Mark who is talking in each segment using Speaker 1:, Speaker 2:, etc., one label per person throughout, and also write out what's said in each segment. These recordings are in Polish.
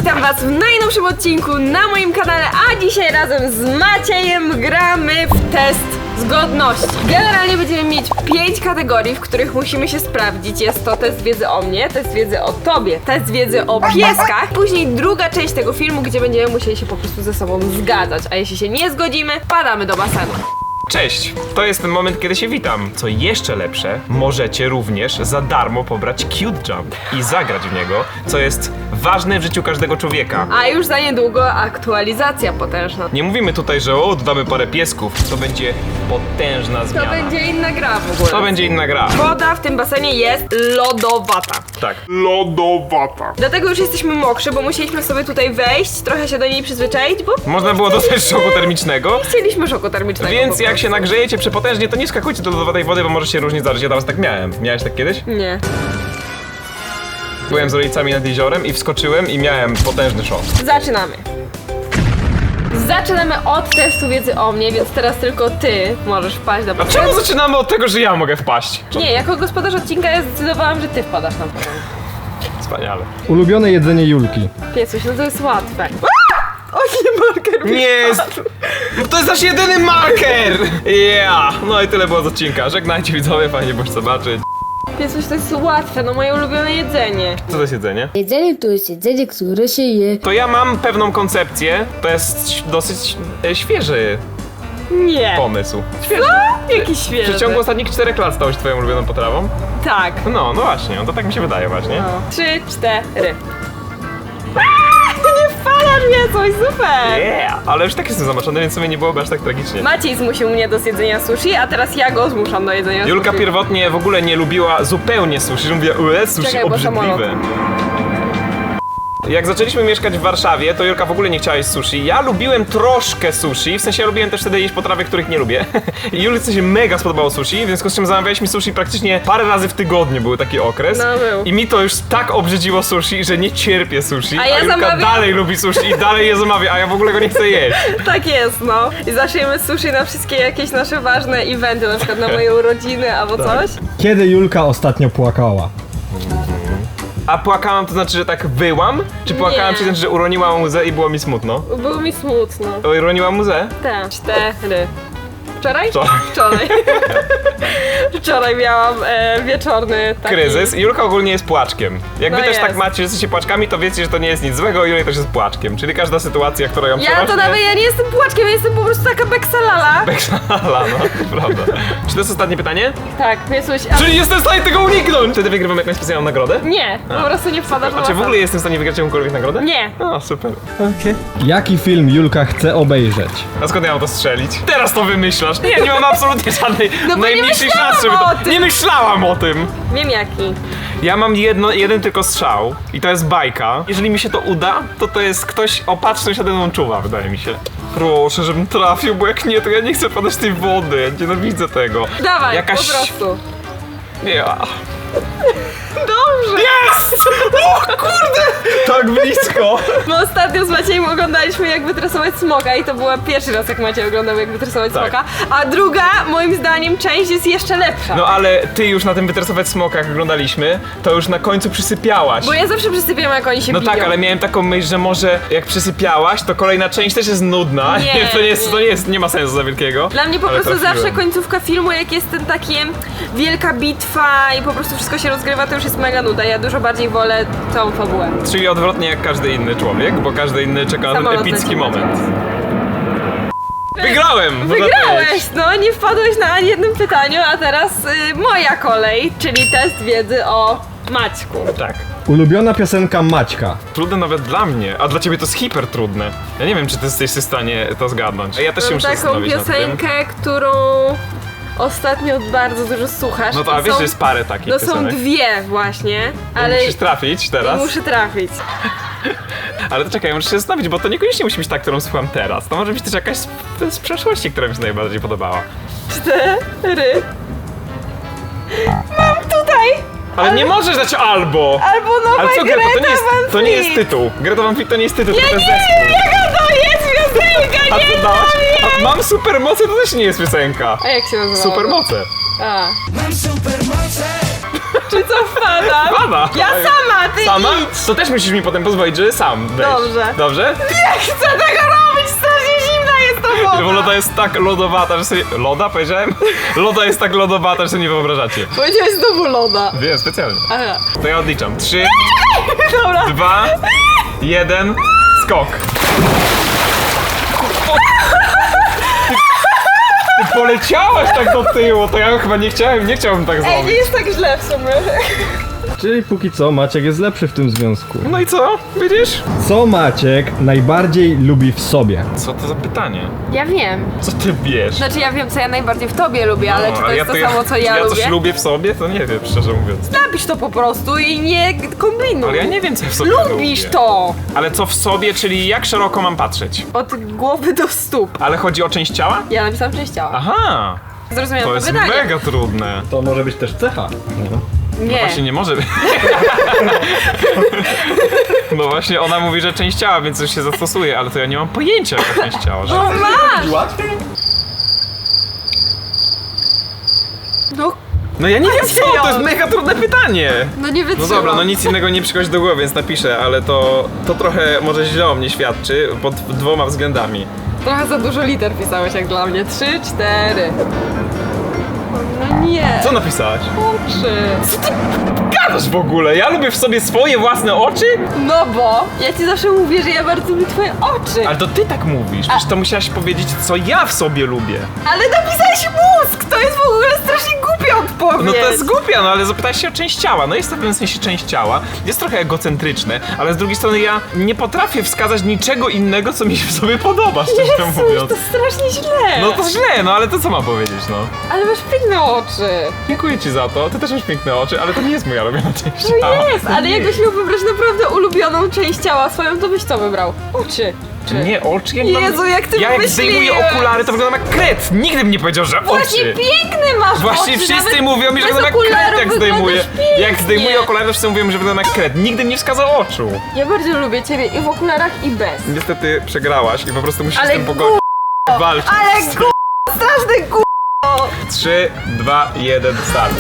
Speaker 1: witam was w najnowszym odcinku na moim kanale, a dzisiaj razem z Maciejem gramy w test zgodności. Generalnie będziemy mieć 5 kategorii, w których musimy się sprawdzić. Jest to test wiedzy o mnie, test wiedzy o tobie, test wiedzy o pieskach. Później druga część tego filmu, gdzie będziemy musieli się po prostu ze sobą zgadzać, a jeśli się nie zgodzimy, padamy do basenu.
Speaker 2: Cześć! To jest ten moment, kiedy się witam. Co jeszcze lepsze, możecie również za darmo pobrać Cute Jump i zagrać w niego, co jest ważne w życiu każdego człowieka.
Speaker 1: A już za niedługo aktualizacja potężna.
Speaker 2: Nie mówimy tutaj, że dodamy parę piesków. To będzie potężna zmiana.
Speaker 1: To będzie inna gra w ogóle.
Speaker 2: To będzie inna gra.
Speaker 1: Woda w tym basenie jest lodowata.
Speaker 2: Tak. Lodowata.
Speaker 1: Dlatego już jesteśmy mokrzy, bo musieliśmy sobie tutaj wejść, trochę się do niej przyzwyczaić, bo
Speaker 2: Można było dostać szoku termicznego.
Speaker 1: chcieliśmy szoku termicznego.
Speaker 2: Więc
Speaker 1: po
Speaker 2: jak
Speaker 1: prostu.
Speaker 2: się nagrzejecie przepotężnie, to nie skakujcie do lodowatej wody, bo może się różnie zdarzyć. Ja teraz tak miałem. Miałeś tak kiedyś?
Speaker 1: Nie.
Speaker 2: Byłem z rodzicami nad jeziorem i wskoczyłem i miałem potężny szok.
Speaker 1: Zaczynamy. Zaczynamy od testu wiedzy o mnie, więc teraz tylko ty możesz wpaść na
Speaker 2: A
Speaker 1: początek.
Speaker 2: czemu zaczynamy od tego, że ja mogę wpaść?
Speaker 1: Nie, jako gospodarz odcinka ja zdecydowałam, że ty wpadasz na początek.
Speaker 2: Wspaniale.
Speaker 3: Ulubione jedzenie Julki.
Speaker 1: Piesuś, no to jest łatwe. O nie, marker.
Speaker 2: Nie jest! To jest nasz jedyny marker! Yeah! No i tyle było z odcinka. Żegnajcie widzowie, fajnie było zobaczyć.
Speaker 1: Piesuś, to jest łatwe, no moje ulubione jedzenie.
Speaker 2: Co to jest jedzenie?
Speaker 4: Jedzenie to jest jedzenie, które się je.
Speaker 2: To ja mam pewną koncepcję. To jest dosyć świeży
Speaker 1: Nie.
Speaker 2: pomysł.
Speaker 1: Jakiś
Speaker 2: W
Speaker 1: świeży.
Speaker 2: przeciągu ostatnich 4 lat stałeś twoją ulubioną potrawą?
Speaker 1: Tak.
Speaker 2: No właśnie, to tak mi się wydaje właśnie.
Speaker 1: No. 3, 4. Nie wpadasz mnie, coś super!
Speaker 2: Yeah! Ale już tak jestem zamoczony, więc sobie nie byłoby aż tak tragicznie.
Speaker 1: Maciej zmusił mnie do zjedzenia sushi, a teraz ja go zmuszam do jedzenia
Speaker 2: Julka
Speaker 1: sushi.
Speaker 2: pierwotnie w ogóle nie lubiła zupełnie sushi, że mówiła, sushi
Speaker 1: Czekaj, bo samolot.
Speaker 2: obrzydliwe. Jak zaczęliśmy mieszkać w Warszawie, to Julka w ogóle nie chciała jeść sushi. Ja lubiłem troszkę sushi, w sensie ja lubiłem też wtedy jeść potrawy, których nie lubię. I Julce się mega spodobało sushi, w związku z czym zamawialiśmy sushi praktycznie parę razy w tygodniu, był taki okres.
Speaker 1: No, był.
Speaker 2: I mi to już tak obrzydziło sushi, że nie cierpię sushi.
Speaker 1: A ja
Speaker 2: Julka
Speaker 1: zamawiam-
Speaker 2: dalej lubi sushi i dalej je zamawia, a ja w ogóle go nie chcę jeść.
Speaker 1: Tak jest, no. I zawsze jemy sushi na wszystkie jakieś nasze ważne eventy, na przykład na moje urodziny albo
Speaker 2: Tak.
Speaker 1: coś.
Speaker 3: Kiedy Julka ostatnio płakała?
Speaker 2: A płakałam to znaczy, że tak wyłam? Czy płakałam
Speaker 1: Nie.
Speaker 2: to znaczy, że uroniłam łzę i było mi smutno?
Speaker 1: Było mi smutno.
Speaker 2: Uroniłam łzę?
Speaker 1: Te. 4. Wczoraj?
Speaker 2: Wczoraj.
Speaker 1: Wczoraj. Wczoraj miałam wieczorny taki...
Speaker 2: Kryzys. Julka ogólnie jest płaczkiem. Jak
Speaker 1: No
Speaker 2: wy też
Speaker 1: jest.
Speaker 2: tak macie, że jesteście płaczkami, to wiecie, że to nie jest nic złego, Julia też jest płaczkiem. Czyli każda sytuacja, która ją
Speaker 1: Ja
Speaker 2: przerośnie...
Speaker 1: to nawet, ja nie jestem płaczkiem, ja jestem po prostu taka beksalala.
Speaker 2: Beksalala, no, prawda. Czy to jest ostatnie pytanie?
Speaker 1: Tak, Piesuś, a...
Speaker 2: Czyli jestem w stanie tego uniknąć! Wtedy wygrywam jakąś specjalną nagrodę?
Speaker 1: Nie, po prostu nie wpadasz
Speaker 2: A czy w ogóle jestem w stanie wygrać jakąkolwiek nagrodę?
Speaker 1: Nie.
Speaker 2: O, super.
Speaker 3: Jaki film Julka chce obejrzeć?
Speaker 2: A skąd ja mam to strzelić? Teraz to wymyślasz. Nie mam absolutnie żadnej
Speaker 1: No bo nie
Speaker 2: najmniejszej
Speaker 1: myślałam
Speaker 2: szansy, żeby
Speaker 1: o
Speaker 2: to...
Speaker 1: tym.
Speaker 2: Nie myślałam o tym!
Speaker 1: Wiem jaki.
Speaker 2: Ja mam jeden tylko strzał i to jest bajka. Jeżeli mi się to uda, to jest ktoś opatrzny się nade mną czuwa, wydaje mi się. Proszę, żebym trafił, bo jak nie, to ja nie chcę padać tej wody. Ja nienawidzę tego.
Speaker 1: Dawaj,
Speaker 2: Jakaś-
Speaker 1: po prostu.
Speaker 2: Ja.
Speaker 1: Dobrze.
Speaker 2: Jest! O kurde! Tak blisko!
Speaker 1: My ostatnio z Maciejem oglądaliśmy jak wytresować smoka i to była pierwszy raz jak Maciej oglądał jak wytresować
Speaker 2: Tak.
Speaker 1: smoka, a druga moim zdaniem część jest jeszcze lepsza.
Speaker 2: No ale ty już na tym wytresować smoka, jak oglądaliśmy, to już na końcu przysypiałaś.
Speaker 1: Bo ja zawsze przysypiam jak oni się
Speaker 2: No
Speaker 1: biją.
Speaker 2: tak, ale miałem taką myśl, że może jak przysypiałaś, to kolejna część też jest nudna.
Speaker 1: Nie,
Speaker 2: to nie jest, nie ma sensu za wielkiego.
Speaker 1: Dla mnie po
Speaker 2: ale
Speaker 1: prostu
Speaker 2: trafiłem.
Speaker 1: zawsze końcówka filmu, jak jest ten takie wielka bitwa i po prostu wszystko się rozgrywa, to już jest mega nuda. Ja dużo bardziej wolę tą fabułę.
Speaker 2: Czyli odwrotnie jak każdy inny człowiek, bo każdy inny czeka na ten
Speaker 1: Samolot
Speaker 2: epicki
Speaker 1: leci.
Speaker 2: moment. Wygrałem! No
Speaker 1: Wygrałeś! No, nie wpadłeś na ani jednym pytaniu, a teraz moja kolej, czyli test wiedzy o Maćku.
Speaker 2: Tak.
Speaker 3: Ulubiona piosenka Maćka.
Speaker 2: Trudne nawet dla mnie, a dla ciebie to jest hiper trudne. Ja nie wiem, czy ty jesteś w stanie to zgadnąć. A ja też się
Speaker 1: Mam
Speaker 2: muszę
Speaker 1: taką
Speaker 2: zastanowić nad tym.
Speaker 1: piosenkę, którą ostatnio bardzo dużo słuchasz.
Speaker 2: No to a
Speaker 1: I
Speaker 2: wiesz,
Speaker 1: są-
Speaker 2: że jest parę takich
Speaker 1: No są
Speaker 2: piosenek.
Speaker 1: dwie właśnie, ale
Speaker 2: Musisz trafić teraz.
Speaker 1: muszę trafić.
Speaker 2: Ale to czekaj, ja muszę się zastanowić, bo to niekoniecznie musi być ta, którą słucham teraz. To może być też jakaś z przeszłości, która mi się najbardziej podobała.
Speaker 1: 4. Mam tutaj!
Speaker 2: Ale nie możesz dać albo!
Speaker 1: Albo nowa
Speaker 2: Ale co, Greta,
Speaker 1: Greta
Speaker 2: to nie jest
Speaker 1: Van Fleet.
Speaker 2: tytuł. Greta Van Fleet to nie jest tytuł,
Speaker 1: Ja
Speaker 2: to jest
Speaker 1: nie
Speaker 2: zespół.
Speaker 1: wiem jaka to jest piosenka,
Speaker 2: A
Speaker 1: nie
Speaker 2: co dałaś?
Speaker 1: wiem!
Speaker 2: A mam supermoce, to też nie jest piosenka.
Speaker 1: A jak się nazywa?
Speaker 2: Supermoce.
Speaker 1: A. Czy co wpadam?
Speaker 2: Pada!
Speaker 1: Ja sama, ty
Speaker 2: Sama?
Speaker 1: idź!
Speaker 2: To też musisz mi potem pozwolić, że sam weź.
Speaker 1: Dobrze.
Speaker 2: Dobrze?
Speaker 1: Nie chcę tego robić, strasznie zimna jest to woda!
Speaker 2: Bo loda jest tak lodowata, że sobie... Loda powiedziałem? Loda jest tak lodowata, że sobie nie wyobrażacie.
Speaker 1: Powiedziałeś znowu loda.
Speaker 2: Wiem, specjalnie.
Speaker 1: Aha.
Speaker 2: To ja odliczam. 3,
Speaker 1: Dobra.
Speaker 2: 2, 1, skok. Ty poleciałaś tak do tyłu, to ja chyba nie chciałbym tak
Speaker 1: Ej, nie
Speaker 2: zrobić.
Speaker 1: jest tak źle w sumie.
Speaker 3: Czyli póki co Maciek jest lepszy w tym związku.
Speaker 2: No i co? Widzisz?
Speaker 3: Co Maciek najbardziej lubi w sobie?
Speaker 2: Co to za pytanie?
Speaker 1: Ja wiem.
Speaker 2: Co ty wiesz?
Speaker 1: Znaczy ja wiem, co ja najbardziej w tobie lubię, ale
Speaker 2: No,
Speaker 1: czy to jest to
Speaker 2: ja-
Speaker 1: samo, co ja
Speaker 2: Ja
Speaker 1: lubię?
Speaker 2: coś lubię w sobie? To nie wiem, szczerze mówiąc.
Speaker 1: Napisz to po prostu i nie kombinuj.
Speaker 2: Ale ja nie wiem, co w sobie
Speaker 1: Lubisz
Speaker 2: lubię.
Speaker 1: to!
Speaker 2: Ale co w sobie, czyli jak szeroko mam patrzeć?
Speaker 1: Od głowy do stóp.
Speaker 2: Ale chodzi o część ciała?
Speaker 1: Ja napisałam część ciała.
Speaker 2: Aha!
Speaker 1: Zrozumiałam
Speaker 2: To
Speaker 1: to
Speaker 2: jest
Speaker 1: pytanie.
Speaker 2: mega trudne.
Speaker 3: To może być też cecha.
Speaker 1: Nie.
Speaker 2: Właśnie nie może być. No właśnie ona mówi, że część ciała, więc już się zastosuje, ale to ja nie mam pojęcia jaka część ciała. Że...
Speaker 1: No masz!
Speaker 3: Łatwiej?
Speaker 1: No,
Speaker 2: No ja nie wiem co, to jest
Speaker 1: Jon.
Speaker 2: mega trudne pytanie.
Speaker 1: no nie
Speaker 2: No
Speaker 1: wytrzymam.
Speaker 2: dobra, no nic innego nie przychodzi do głowy, więc napiszę, ale to trochę może źle o mnie świadczy pod dwoma względami.
Speaker 1: Trochę za dużo liter pisałeś jak dla mnie. 3, 4. No nie.
Speaker 2: Co napisałaś?
Speaker 1: Oczy.
Speaker 2: Co ty gadasz w ogóle? Ja lubię w sobie swoje własne oczy?
Speaker 1: No bo ja ci zawsze mówię, że ja bardzo lubię twoje oczy.
Speaker 2: Ale to ty tak mówisz, przecież to musiałaś powiedzieć, co ja w sobie lubię.
Speaker 1: Ale napisałeś mózg! To jest w ogóle strasznie głupia odpowiedź.
Speaker 2: No to jest głupia, no ale zapytałeś się o część ciała. No jest to w pewnym sensie część ciała, jest trochę egocentryczne, ale z drugiej strony ja nie potrafię wskazać niczego innego, co mi się w sobie podoba, szczerze
Speaker 1: Jezus,
Speaker 2: mówiąc.
Speaker 1: to strasznie źle.
Speaker 2: No to źle, no ale to co mam powiedzieć, no?
Speaker 1: Ale masz piękne oczy.
Speaker 2: Dziękuję ci za to, ty też masz piękne oczy, ale to nie jest moja ulubiona część
Speaker 1: No
Speaker 2: ciała.
Speaker 1: jest, ale jakbyś miał wybrać naprawdę ulubioną część ciała swoją, to byś co wybrał? Oczy. Czy?
Speaker 2: Nie, oczy ja nie mam...
Speaker 1: Jezu, jak ty
Speaker 2: Ja jak zdejmuję
Speaker 1: wymyśliłeś.
Speaker 2: okulary, to wyglądam jak kret. Nigdy bym nie powiedział, że
Speaker 1: Właśnie
Speaker 2: oczy.
Speaker 1: piękny masz
Speaker 2: Właśnie
Speaker 1: oczy,
Speaker 2: wszyscy
Speaker 1: nawet
Speaker 2: mówią mi, że
Speaker 1: bez
Speaker 2: wyglądam jak
Speaker 1: okularów
Speaker 2: kret, jak zdejmuję.
Speaker 1: wyglądasz
Speaker 2: Jak
Speaker 1: pięknie.
Speaker 2: zdejmuję okulary, to wszyscy mówią, że wyglądam jak kret. Nigdy nie wskazał oczu.
Speaker 1: Ja bardzo lubię ciebie i w okularach i bez.
Speaker 2: Niestety przegrałaś i po prostu musisz
Speaker 1: Ale
Speaker 2: z tym pogodzić. Walczyć.
Speaker 1: Ale straszny
Speaker 2: 3, 2, 1, start.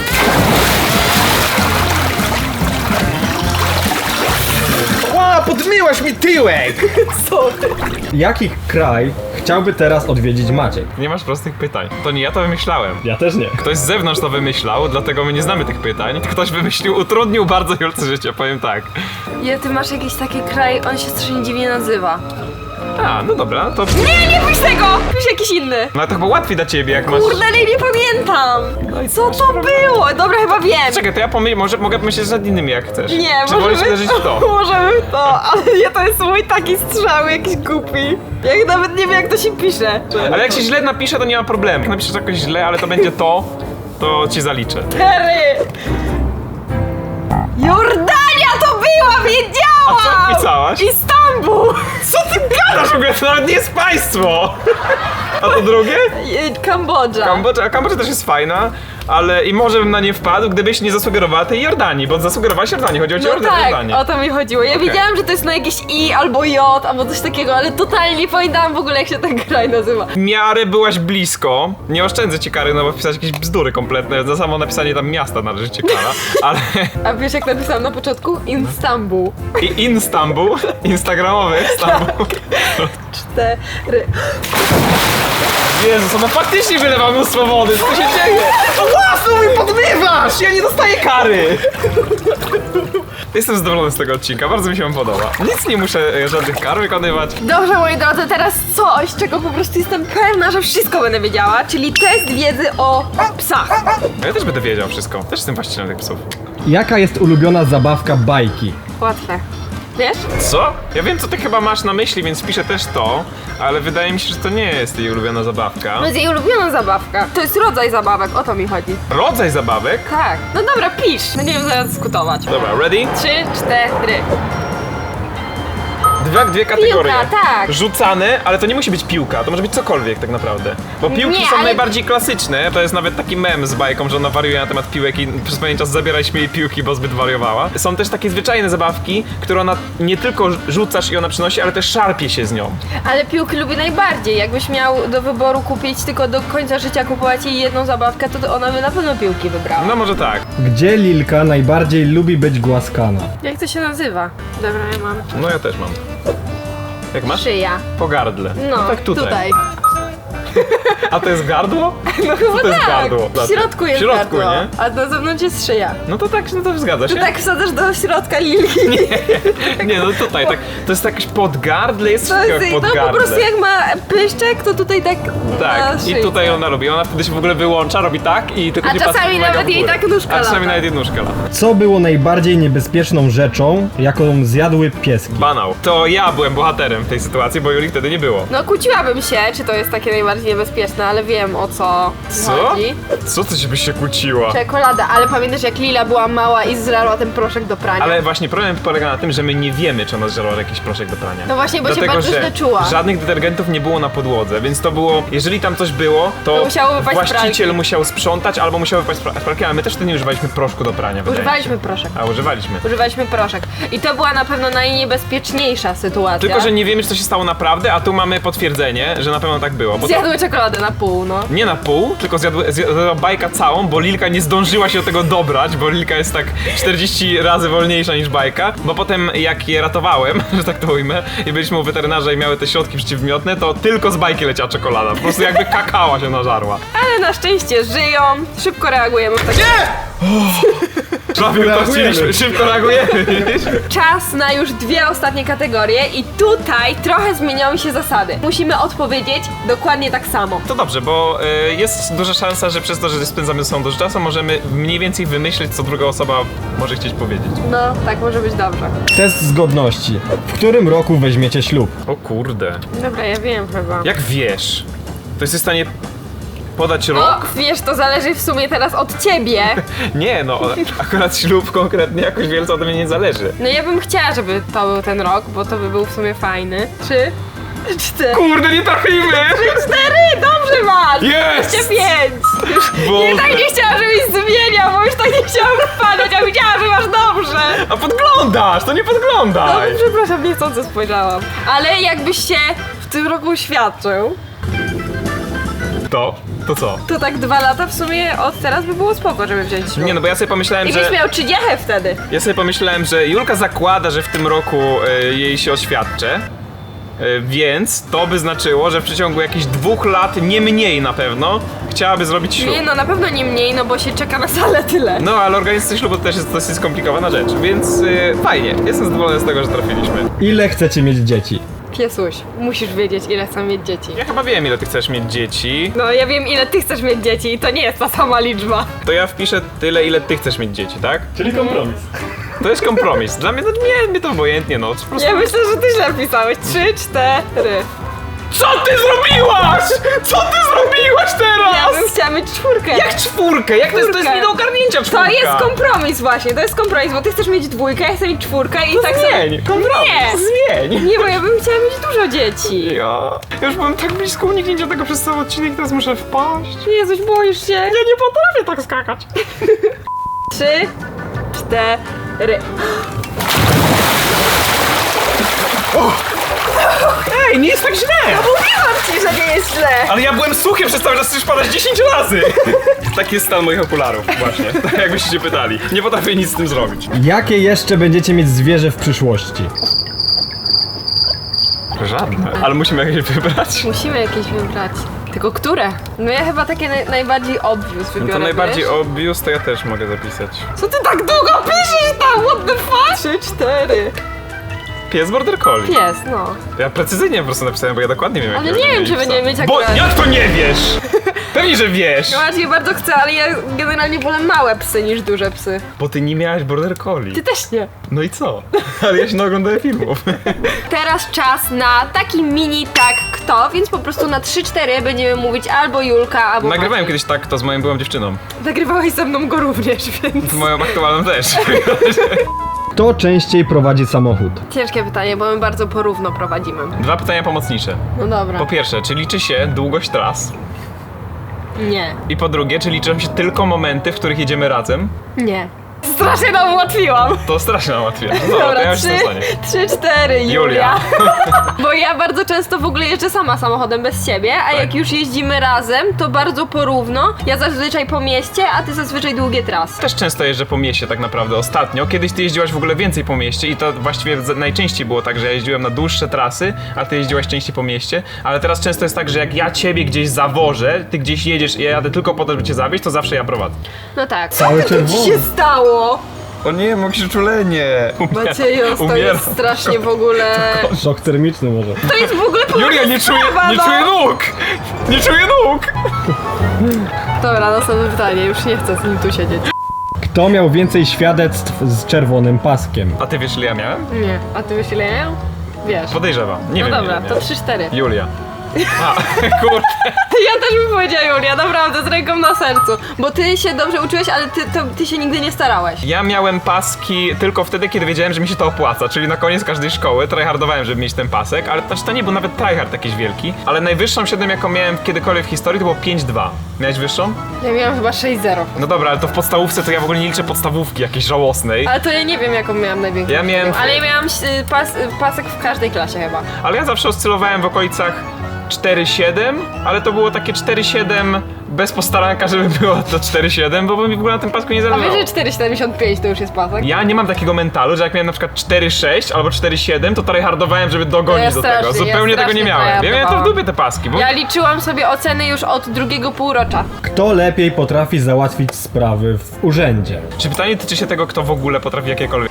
Speaker 2: Ła, podmyłaś mi tyłek!
Speaker 3: Jaki kraj chciałby teraz odwiedzić Maciek?
Speaker 2: Nie masz prostych pytań. To nie ja to wymyślałem.
Speaker 3: Ja też nie.
Speaker 2: Ktoś z zewnątrz to wymyślał, dlatego my nie znamy tych pytań. Ktoś wymyślił, utrudnił bardzo Julce życie, powiem tak.
Speaker 1: Ja, ty masz jakiś taki kraj, on się strasznie dziwnie nazywa.
Speaker 2: A, no dobra, to...
Speaker 1: Nie pisz tego! Pisz jakiś inny.
Speaker 2: No ale to chyba łatwiej dla ciebie, jak masz...
Speaker 1: Kurde, ale nie pamiętam.
Speaker 2: No i
Speaker 1: Co
Speaker 2: masz
Speaker 1: to
Speaker 2: problem.
Speaker 1: było? Dobra, chyba wiem.
Speaker 2: Czekaj, to ja może mogę pomyśleć nad innymi, jak chcesz.
Speaker 1: Nie,
Speaker 2: Czy wolisz
Speaker 1: możemy
Speaker 2: uderzyć w to?
Speaker 1: Możemy w to, ale nie, to jest mój taki strzał jakiś głupi. Jak nawet nie wiem jak to się pisze.
Speaker 2: Ale jak się źle napisze, to nie ma problemu. Jak napiszesz jakoś źle, ale to będzie to ci zaliczę.
Speaker 1: Terry! Jordania to była, wiedziałam!
Speaker 2: A co pisałaś?
Speaker 1: Istanbul!
Speaker 2: Co ty gadasz w ogóle? To nawet nie jest państwo! A to drugie?
Speaker 1: Kambodża.
Speaker 2: Kambodża też jest fajna, ale i może bym na nie wpadł, gdybyś nie zasugerowała tej Jordanii, bo zasugerowałaś Jordanii, chodzi o
Speaker 1: No
Speaker 2: Jordanię.
Speaker 1: tak, o to mi chodziło. Ja
Speaker 2: Okej.
Speaker 1: wiedziałam, że to jest na jakieś I albo J, albo coś takiego, ale totalnie nie pamiętałam w ogóle jak się ten kraj nazywa.
Speaker 2: W miarę byłaś blisko. Nie oszczędzę ci kary, no bo wpisać jakieś bzdury kompletne. Za samo napisanie tam miasta należy cię kara. Ale...
Speaker 1: A wiesz jak napisałam na początku? Istanbul.
Speaker 2: I Istanbul, instagramowy Istanbul.
Speaker 1: 4.
Speaker 2: Jezus, no faktycznie wylewa mnóstwo wody, co się dzieje? To własno mi podmywasz! Ja nie dostaję kary! Jestem zadowolony z tego odcinka, bardzo mi się on podoba. Nic nie muszę żadnych kar wykonywać.
Speaker 1: Dobrze, moi drodzy, teraz coś, czego po prostu jestem pewna, że wszystko będę wiedziała, czyli test wiedzy o psach.
Speaker 2: Ja też będę wiedział wszystko, też jestem właścicielem tych psów.
Speaker 3: Jaka jest ulubiona zabawka bajki?
Speaker 1: Łatwe. Wiesz?
Speaker 2: Co? Ja wiem, co ty chyba masz na myśli, więc piszę też to, ale wydaje mi się, że to nie jest jej ulubiona zabawka.
Speaker 1: To jest jej ulubiona zabawka. To jest rodzaj zabawek, o to mi chodzi.
Speaker 2: Rodzaj zabawek?
Speaker 1: Tak. No dobra, pisz. Będziemy zaraz dyskutować.
Speaker 2: Dobra, ready?
Speaker 1: 3, 4.
Speaker 2: dwie kategorie.
Speaker 1: Piłka, tak.
Speaker 2: Rzucane, ale to nie musi być piłka, to może być cokolwiek tak naprawdę. Bo piłki
Speaker 1: Nie,
Speaker 2: są
Speaker 1: ale-
Speaker 2: najbardziej klasyczne. To jest nawet taki mem z bajką, że ona wariuje na temat piłek i przez pewien czas zabieraliśmy jej piłki, bo zbyt wariowała. Są też takie zwyczajne zabawki, które ona nie tylko rzucasz i ona przynosi, ale też szarpie się z nią.
Speaker 1: Ale piłki lubi najbardziej. Jakbyś miał do wyboru kupić tylko do końca życia kupować jej jedną zabawkę, to ona by na pewno piłki wybrała.
Speaker 2: No może tak.
Speaker 3: Gdzie Lilka najbardziej lubi być głaskana?
Speaker 1: Jak to się nazywa? Dobra, ja mam.
Speaker 2: No ja też mam. Jak masz?
Speaker 1: Szyja.
Speaker 2: Po gardle.
Speaker 1: No,
Speaker 2: tak tutaj.
Speaker 1: tutaj.
Speaker 2: A to jest gardło?
Speaker 1: No chyba
Speaker 2: to jest
Speaker 1: tak.
Speaker 2: gardło?
Speaker 1: W środku jest
Speaker 2: W środku,
Speaker 1: gardło,
Speaker 2: nie?
Speaker 1: a na zewnątrz jest szyja.
Speaker 2: No to tak, no to zgadza się.
Speaker 1: To tak wsadzasz do środka lilki.
Speaker 2: Nie, no tutaj tak. To jest jakieś podgardle, jest
Speaker 1: To
Speaker 2: wszystko
Speaker 1: jest,
Speaker 2: jak
Speaker 1: no
Speaker 2: podgardle.
Speaker 1: po prostu jak ma pyszczek, to tutaj tak
Speaker 2: Tak,
Speaker 1: na
Speaker 2: i
Speaker 1: szyjce.
Speaker 2: tutaj ona robi. Ona wtedy się w ogóle wyłącza, robi tak i tylko
Speaker 1: A
Speaker 2: nie
Speaker 1: czasami
Speaker 2: patrzy, uwaga,
Speaker 1: nawet
Speaker 2: w
Speaker 1: jej
Speaker 2: górę.
Speaker 1: tak nóżka
Speaker 2: A czasami
Speaker 1: lata.
Speaker 2: nawet jej nóżka lata.
Speaker 3: Co było najbardziej niebezpieczną rzeczą, jaką zjadły pieski?
Speaker 2: Banał. To ja byłem bohaterem w tej sytuacji, bo Julii wtedy nie było.
Speaker 1: No kłóciłabym się, czy to jest takie najbardziej niebezpieczne, ale wiem o co
Speaker 2: Co?
Speaker 1: chodzi.
Speaker 2: Co ty się byś się kłóciła?
Speaker 1: Czekolada, ale pamiętasz jak Lila była mała i zżarła ten proszek do prania?
Speaker 2: Ale właśnie problem polega na tym, że my nie wiemy, czy ona zżarła jakiś proszek do prania.
Speaker 1: No właśnie, bo się
Speaker 2: Dlatego,
Speaker 1: bardzo
Speaker 2: że
Speaker 1: źle czuła.
Speaker 2: żadnych detergentów nie było na podłodze, więc to było, jeżeli tam coś było, to
Speaker 1: To musiało wypaść z
Speaker 2: właściciel
Speaker 1: pralki.
Speaker 2: musiał sprzątać albo musiał wypaść z pralki, ale my też wtedy nie używaliśmy proszku do prania. wydaje mi
Speaker 1: Używaliśmy
Speaker 2: się.
Speaker 1: proszek.
Speaker 2: A, używaliśmy.
Speaker 1: Używaliśmy proszek. I to była na pewno najniebezpieczniejsza sytuacja.
Speaker 2: Tylko, że nie wiemy, czy to się stało naprawdę, a tu mamy potwierdzenie, że na pewno tak było. Bo to
Speaker 1: Zjadły czekoladę na pół, no.
Speaker 2: nie na pół, tylko zjadła bajka całą, bo Lilka nie zdążyła się do tego dobrać, bo Lilka jest tak 40 razy wolniejsza niż bajka. Bo potem jak je ratowałem, że tak to ujmę, i byliśmy u weterynarza i miały te środki przeciwmiotne, to tylko z bajki leciała czekolada. Po prostu jakby kakała się nażarła.
Speaker 1: Ale na szczęście żyją, szybko reagujemy w takim...
Speaker 2: Szybko reagujemy.
Speaker 1: Czas na już dwie ostatnie kategorie i tutaj trochę zmieniają się zasady. Musimy odpowiedzieć dokładnie tak samo.
Speaker 2: To dobrze, bo jest duża szansa, że przez to, że spędzamy ze sobą dużo czasu, możemy mniej więcej wymyślić, co druga osoba może chcieć powiedzieć.
Speaker 1: No, tak może być dobrze.
Speaker 3: Test zgodności. W którym roku weźmiecie ślub?
Speaker 2: O kurde.
Speaker 1: Dobra, ja wiem chyba.
Speaker 2: Jak wiesz? To jesteś w stanie podać
Speaker 1: O,
Speaker 2: rok?
Speaker 1: wiesz, to zależy w sumie teraz od ciebie.
Speaker 2: Nie, no, akurat ślub konkretnie jakoś wielce ode mnie nie zależy.
Speaker 1: No ja bym chciała, żeby to był ten rok, bo to by był w sumie fajny. 3, 4,
Speaker 2: Kurde, nie trafimy!
Speaker 1: 4, dobrze masz!
Speaker 2: Jest!
Speaker 1: 25! Już
Speaker 2: Boże.
Speaker 1: nie tak nie chciałam, żebyś zmieniał, bo już tak nie chciałam wpadać, a widziałam, że masz dobrze!
Speaker 2: A podglądasz, to nie
Speaker 1: No
Speaker 2: podglądaj!
Speaker 1: przepraszam, niechcący spojrzałam. Ale jakbyś się w tym roku uświadczył,
Speaker 2: To co?
Speaker 1: to tak 2 lata w sumie od teraz by było spoko, żeby wziąć ślub.
Speaker 2: Nie, no bo ja sobie pomyślałem,
Speaker 1: I byś
Speaker 2: że...
Speaker 1: miał 30 wtedy.
Speaker 2: Ja sobie pomyślałem, że Julka zakłada, że w tym roku jej się oświadczę. Więc to by znaczyło, że w przeciągu jakichś 2 lat, nie mniej na pewno, chciałaby zrobić ślub.
Speaker 1: Nie no, na pewno nie mniej, no bo się czeka na salę tyle.
Speaker 2: No, ale organizacja ślubu to też jest dosyć skomplikowana rzecz, więc fajnie. Jestem zadowolony z tego, że trafiliśmy.
Speaker 3: Ile chcecie mieć dzieci?
Speaker 1: Piesuś, musisz wiedzieć, ile chcę mieć dzieci.
Speaker 2: Ja chyba wiem, ile ty chcesz mieć dzieci.
Speaker 1: No ja wiem, ile ty chcesz mieć dzieci i to nie jest ta sama liczba.
Speaker 2: To ja wpiszę tyle, ile ty chcesz mieć dzieci, tak?
Speaker 3: Czyli kompromis.
Speaker 2: To jest kompromis. Dla mnie, no nie, mnie to obojętnie, no. Po prostu...
Speaker 1: Ja myślę, że ty źle pisałeś. 3, 4.
Speaker 2: Co ty zrobiłaś? Co ty zrobiłaś
Speaker 1: Ja
Speaker 2: teraz?
Speaker 1: bym chciała mieć 4.
Speaker 2: Jak 4? Jak to jest
Speaker 1: Czwórkę.
Speaker 2: nie do ogarnięcia 4?
Speaker 1: To jest kompromis właśnie, to jest kompromis, bo ty chcesz mieć 2, ja chcę mieć 4 i tak
Speaker 2: Zmień, kompromis,
Speaker 1: Nie.
Speaker 2: zmień.
Speaker 1: Nie, bo ja bym chciała mieć dużo dzieci.
Speaker 2: Ja już byłem tak blisko uniknięcia tego przez cały odcinek, teraz muszę wpaść.
Speaker 1: Jezuś, boisz się?
Speaker 2: Ja nie potrafię tak skakać.
Speaker 1: 3, 4.
Speaker 2: Ej, nie jest tak źle!
Speaker 1: Mówiłam ci, że nie jest źle.
Speaker 2: Ale ja byłem suchy przez cały czas, już padać 10 razy! Taki jest stan moich okularów, właśnie. Tak jakbyście się pytali. Nie potrafię nic z tym zrobić.
Speaker 3: Jakie jeszcze będziecie mieć zwierzę w przyszłości?
Speaker 2: Żadne. Ale musimy jakieś wybrać.
Speaker 1: Musimy jakieś wybrać. Tylko które? No ja chyba takie najbardziej obvious wybiorę,
Speaker 2: No to najbardziej
Speaker 1: wiesz?
Speaker 2: obvious to ja też mogę zapisać.
Speaker 1: Co ty tak długo piszesz tam? What the fuck? 3, 4.
Speaker 2: Pies Border Collie.
Speaker 1: Pies, no.
Speaker 2: Ja precyzyjnie po prostu napisałem, bo ja dokładnie wiem,
Speaker 1: Ale
Speaker 2: jak
Speaker 1: nie wiem, czy będziemy mieć
Speaker 2: Bo
Speaker 1: akurat...
Speaker 2: jak to nie wiesz? Pewnie, że wiesz!
Speaker 1: No ja bardzo chcę, ale ja generalnie wolę małe psy niż duże psy.
Speaker 2: Bo ty nie miałaś Border Collie.
Speaker 1: Ty też nie.
Speaker 2: No i co? Ale ja się naoglądałem filmów.
Speaker 1: Teraz czas na taki mini tak kto, więc po prostu na 3-4 będziemy mówić albo Julka, albo
Speaker 2: Nagrywałem
Speaker 1: Maciej.
Speaker 2: kiedyś tak to z moją byłą dziewczyną.
Speaker 1: Nagrywałeś ze mną go również, więc...
Speaker 2: Z moją aktualną też.
Speaker 3: Kto częściej prowadzi samochód?
Speaker 1: Ciężkie pytanie, bo my bardzo porówno prowadzimy.
Speaker 2: 2 pytania pomocnicze.
Speaker 1: No dobra.
Speaker 2: Po pierwsze, czy liczy się długość tras?
Speaker 1: Nie.
Speaker 2: I po drugie, czy liczą się tylko momenty, w których jedziemy razem?
Speaker 1: Nie. Strasznie nam ułatwiłam.
Speaker 2: To strasznie nam łatwiej. No, to ja już w tym stanie.
Speaker 1: 3, 4, Julia.
Speaker 2: Julia.
Speaker 1: Bo ja bardzo często w ogóle jeżdżę sama samochodem bez ciebie, a
Speaker 2: Tak.
Speaker 1: jak już jeździmy razem, to bardzo porówno. Ja zazwyczaj po mieście, a ty zazwyczaj długie trasy.
Speaker 2: Też często jeżdżę po mieście tak naprawdę ostatnio. Kiedyś ty jeździłaś w ogóle więcej po mieście i to właściwie najczęściej było tak, że ja jeździłem na dłuższe trasy, a ty jeździłaś częściej po mieście. Ale teraz często jest tak, że jak ja ciebie gdzieś zawożę, ty gdzieś jedziesz i ja jadę tylko po to, żeby cię zawieźć, to zawsze ja prowadzę.
Speaker 1: No tak.
Speaker 3: Cały
Speaker 1: Co ci
Speaker 3: czerwony.
Speaker 1: się stało?
Speaker 2: O nie, mam przyczulenie.
Speaker 1: Maciejos, to jest strasznie w ogóle...
Speaker 3: Szok termiczny może.
Speaker 1: To jest w ogóle
Speaker 2: Julia, nie czuję
Speaker 1: no.
Speaker 2: nóg! Nie czuję nóg!
Speaker 1: Dobra, następne pytanie, już nie chcę z nim tu siedzieć.
Speaker 3: Kto miał więcej świadectw z czerwonym paskiem?
Speaker 2: A ty wiesz, ile ja miałem?
Speaker 1: Nie, a ty myślisz, ile ja? Wiesz.
Speaker 2: Podejrzewam. Nie
Speaker 1: No
Speaker 2: wiem,
Speaker 1: dobra,
Speaker 2: ile
Speaker 1: to
Speaker 2: miałem.
Speaker 1: 3-4.
Speaker 2: Julia. A, kurde.
Speaker 1: Ja też bym powiedziała Julia, naprawdę, z ręką na sercu. Bo ty się dobrze uczyłeś, ale ty się nigdy nie starałeś.
Speaker 2: Ja miałem paski tylko wtedy, kiedy wiedziałem, że mi się to opłaca, czyli na koniec każdej szkoły tryhardowałem, żeby mieć ten pasek, ale to nie był nawet tryhard jakiś wielki, ale najwyższą średnią, jaką miałem kiedykolwiek w historii, to było 5,2. Miałeś wyższą?
Speaker 1: Ja miałam chyba 6-0.
Speaker 2: No dobra, ale to w podstawówce to ja w ogóle nie liczę podstawówki jakiejś żałosnej,
Speaker 1: Ale to ja nie wiem, jaką miałam największą.
Speaker 2: Ja miałem-
Speaker 1: Ale ja miałam pasek w każdej klasie chyba.
Speaker 2: ale ja zawsze oscylowałem w okolicach 4,7, ale to było takie 4,7 bez postaranka, żeby było to 4,7, bo mi w ogóle na tym pasku nie
Speaker 1: A
Speaker 2: zależało.
Speaker 1: wiesz, że 4,75 to już jest pasek?
Speaker 2: Ja nie mam takiego mentalu, że jak miałem na przykład 4,6 albo 4,7, to tryhardowałem, żeby dogonić
Speaker 1: Ja
Speaker 2: do
Speaker 1: strasznie,
Speaker 2: tego.
Speaker 1: ja
Speaker 2: Zupełnie tego
Speaker 1: strasznie
Speaker 2: nie miałem. Ja miałem to w
Speaker 1: tryhardowałam.
Speaker 2: dupie te paski, bo
Speaker 1: Ja liczyłam sobie oceny już od drugiego półrocza.
Speaker 3: Kto lepiej potrafi załatwić sprawy w urzędzie?
Speaker 2: Czy pytanie tyczy się tego, kto w ogóle potrafi jakiekolwiek...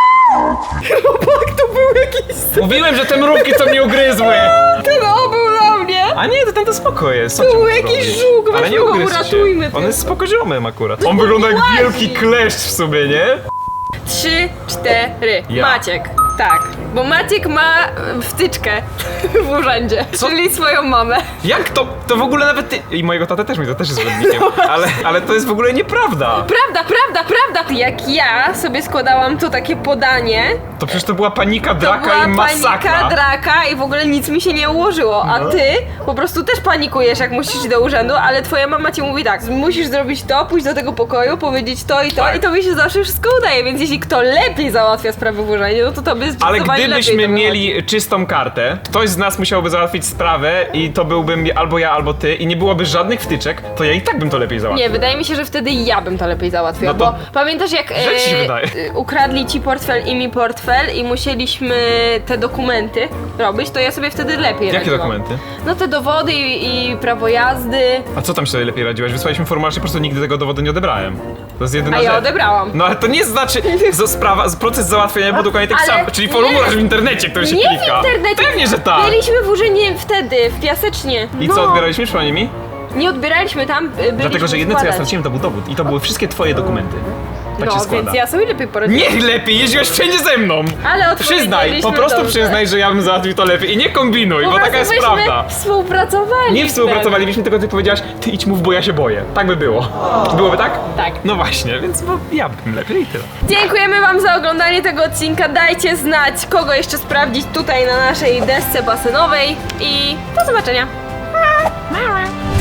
Speaker 1: To był jakiś...
Speaker 2: Mówiłem, że te mrówki to mnie ugryzły!
Speaker 1: Ten był na mnie!
Speaker 2: A nie, to ten to spoko jest.
Speaker 1: To był jakiś żółk,
Speaker 2: Ale nie
Speaker 1: weźmy go,
Speaker 2: ugryzł
Speaker 1: uratujmy
Speaker 2: się.
Speaker 1: to.
Speaker 2: On jest spoko ziomem akurat. On wygląda jak
Speaker 1: łazi.
Speaker 2: wielki kleszcz w sobie, nie?
Speaker 1: 3, 4.
Speaker 2: Ja.
Speaker 1: Maciek. Tak, bo Maciek ma wtyczkę w urzędzie,
Speaker 2: Co?
Speaker 1: czyli swoją mamę.
Speaker 2: Jak to? To w ogóle nawet ty... I mojego tatę też mi to też jest zgodnikiem. Ale to jest w ogóle nieprawda.
Speaker 1: Prawda! Jak ja sobie składałam to takie podanie,
Speaker 2: To przecież to była panika,
Speaker 1: to
Speaker 2: draka
Speaker 1: była
Speaker 2: i masakra.
Speaker 1: panika, draka i w ogóle nic mi się nie ułożyło. A
Speaker 2: No.
Speaker 1: ty po prostu też panikujesz, jak musisz iść do urzędu, ale twoja mama ci mówi tak, musisz zrobić to, pójść do tego pokoju, powiedzieć to i to
Speaker 2: Tak.
Speaker 1: i to mi się zawsze wszystko udaje, więc jeśli kto lepiej załatwia sprawy w urzędzie, no to by
Speaker 2: Ale
Speaker 1: zdecydowanie
Speaker 2: gdybyśmy
Speaker 1: lepiej to
Speaker 2: mieli czystą kartę, ktoś z nas musiałby załatwić sprawę i to byłbym albo ja, albo ty i nie byłoby żadnych wtyczek, to ja i tak bym to lepiej załatwił.
Speaker 1: Nie, wydaje mi się, że wtedy ja bym to lepiej załatwiła,
Speaker 2: No to-
Speaker 1: bo pamiętasz jak
Speaker 2: Że ci się wydaje.
Speaker 1: ukradli ci portfel i mi portfel i musieliśmy te dokumenty robić, to ja sobie wtedy lepiej
Speaker 2: Jakie
Speaker 1: radziłam.
Speaker 2: dokumenty?
Speaker 1: No te dowody i prawo jazdy,
Speaker 2: A co tam się sobie lepiej radziłaś? Wysłaliśmy formularz i po prostu nigdy tego dowodu nie odebrałem. To jest jedyna
Speaker 1: a ja
Speaker 2: rzecz.
Speaker 1: odebrałam.
Speaker 2: No ale to nie znaczy, proces załatwienia był dokładnie taki
Speaker 1: Ale
Speaker 2: sam, czyli
Speaker 1: nie.
Speaker 2: formularz w internecie, który się
Speaker 1: Nie
Speaker 2: klika.
Speaker 1: w internecie!
Speaker 2: Pewnie, że tak!
Speaker 1: Byliśmy w urzędzie wtedy, w Piasecznie.
Speaker 2: I
Speaker 1: no.
Speaker 2: co, odbieraliśmy, przypomnij mi?
Speaker 1: Nie odbieraliśmy tam, byliśmy
Speaker 2: Dlatego, że jedyne co ja
Speaker 1: składać.
Speaker 2: straciłem to był dowód i to były wszystkie twoje dokumenty. Tak się
Speaker 1: No,
Speaker 2: składa.
Speaker 1: więc ja sobie lepiej poradziłam.
Speaker 2: Niech lepiej, jeździłeś wszędzie ze mną!
Speaker 1: Ale
Speaker 2: Przyznaj,
Speaker 1: odpowiedzieliśmy
Speaker 2: po prostu
Speaker 1: dobrze.
Speaker 2: przyznaj, że ja bym załatwił to lepiej i nie kombinuj,
Speaker 1: Po
Speaker 2: bo taka
Speaker 1: prostu
Speaker 2: jest
Speaker 1: byśmy
Speaker 2: prawda.
Speaker 1: współpracowali.
Speaker 2: Nie współpracowalibyśmy, tylko ty powiedziałaś, ty idź mów, bo ja się boję. Tak by było. Byłoby tak?
Speaker 1: Tak.
Speaker 2: No właśnie, więc bo ja bym lepiej i tyle.
Speaker 1: Dziękujemy wam za oglądanie tego odcinka. Dajcie znać, kogo jeszcze sprawdzić tutaj na naszej desce basenowej i do zobaczenia.